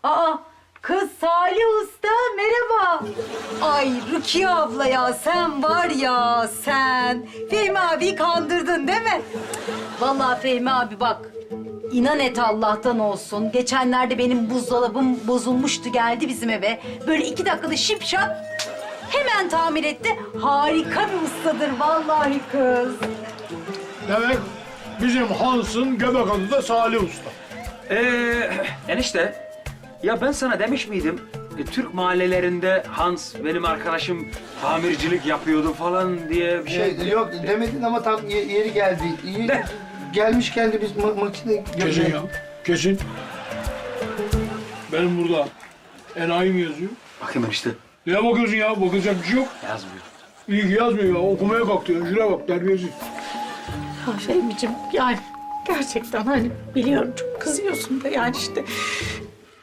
Aa, kız Salih Usta merhaba. Ay Rukiye abla ya sen var ya sen. Fehmi abiyi kandırdın değil mi? Vallahi Fehmi abi bak. İnan et Allah'tan olsun. Geçenlerde benim buzdolabım bozulmuştu geldi bizim eve. Böyle 2 dakikada şipşak hemen tamir etti. Harika bir ustadır vallahi kız. Demek bizim Hans'ın göbek adı da Salih Usta. Enişte, ya ben sana demiş miydim? Türk mahallelerinde Hans benim arkadaşım tamircilik yapıyordu falan diye bir şey. Yok demedin ama tam yeri geldi. İyi gelmişken de biz makine... Kesin ya, kesin. Benim burada enayi mi yazıyor? Bakayım enişte. Neye bakıyorsun ya? Bakılacak bir şey yok. Yazmıyor. İyi ki yazmıyor ya. Okumaya kalktı ya. Şuraya bak, terbiyesiz. Ya Fehmi'cim yani gerçekten hani biliyorum çok kızıyorsun da yani işte